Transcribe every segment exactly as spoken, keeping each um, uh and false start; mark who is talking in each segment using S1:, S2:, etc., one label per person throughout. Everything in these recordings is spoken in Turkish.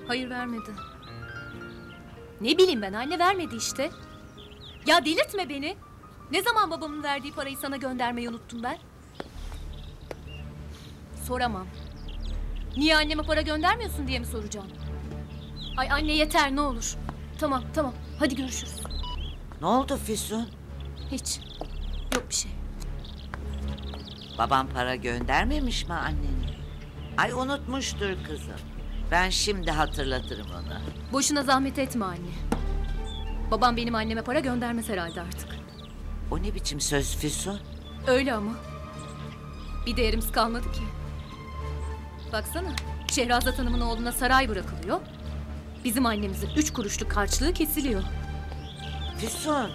S1: Hayır, vermedi. Ne bileyim ben, anne vermedi işte. Ya delirtme beni. Ne zaman babamın verdiği parayı sana göndermeyi unuttum ben? Soramam. Niye anneme para göndermiyorsun diye mi soracağım? Ay anne yeter ne olur. Tamam tamam hadi görüşürüz.
S2: Ne oldu Füsun?
S1: Hiç. Yok bir şey.
S2: Baban para göndermemiş mi annene? Ay unutmuştur kızım. Ben şimdi hatırlatırım ona.
S1: Boşuna zahmet etme anne. Babam benim anneme para göndermez herhalde artık.
S2: O ne biçim söz Füsun?
S1: Öyle ama. Bir değerimiz kalmadı ki. Baksana, Şehrazat Hanım'ın oğluna saray bırakılıyor. Bizim annemizin üç kuruşluk harçlığı kesiliyor.
S2: Füsun.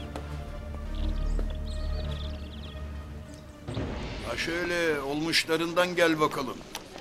S3: Ha şöyle olmuşlarından gel bakalım.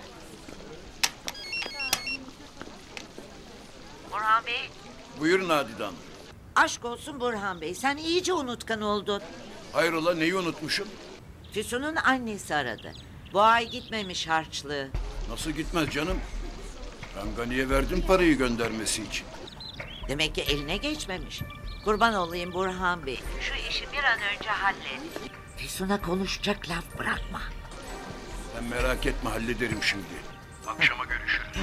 S2: Burhan Bey.
S3: Buyur Nadide Hanım.
S2: Aşk olsun Burhan Bey. Sen iyice unutkan oldun.
S3: Hayrola neyi unutmuşum?
S2: Füsun'un annesi aradı. Bu ay gitmemiş harçlığı.
S3: Nasıl gitmez canım? Ben Gani'ye verdim parayı göndermesi için.
S2: Demek ki eline geçmemiş. Kurban olayım Burhan Bey. Şu işi bir an önce hallet. Füsun'a konuşacak laf bırakma.
S3: Sen merak etme hallederim şimdi. Akşama görüşürüz.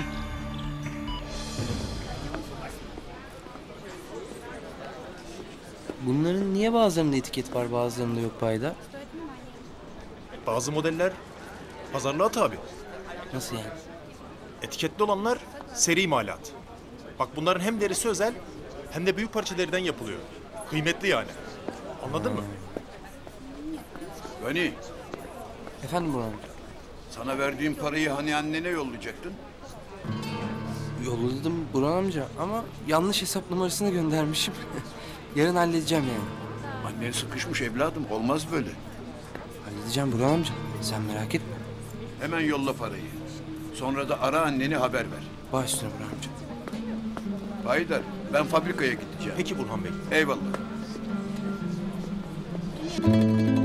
S4: Bunların niye bazılarında etiket var bazılarında yok Payda?
S5: Bazı modeller pazarlığa tabi.
S4: Nasıl yani?
S5: Etiketli olanlar seri imalat. Bak bunların hem derisi özel hem de büyük parça deriden yapılıyor. Kıymetli yani. Anladın mı?
S3: Gani,
S4: Efendim Burhan?
S3: sana verdiğim parayı hani annene yollayacaktın?
S4: Yolladım Burhan amca ama yanlış hesap numarasını göndermişim. Yarın halledeceğim yani.
S3: Annen sıkışmış evladım, olmaz böyle.
S4: Halledeceğim Burhan amca. Sen merak etme.
S3: Hemen yolla parayı. Sonra da ara anneni haber ver.
S4: Baş üstüne Burhan amca.
S3: Haydar, ben fabrikaya gideceğim.
S5: Peki Burhan Bey.
S3: Eyvallah.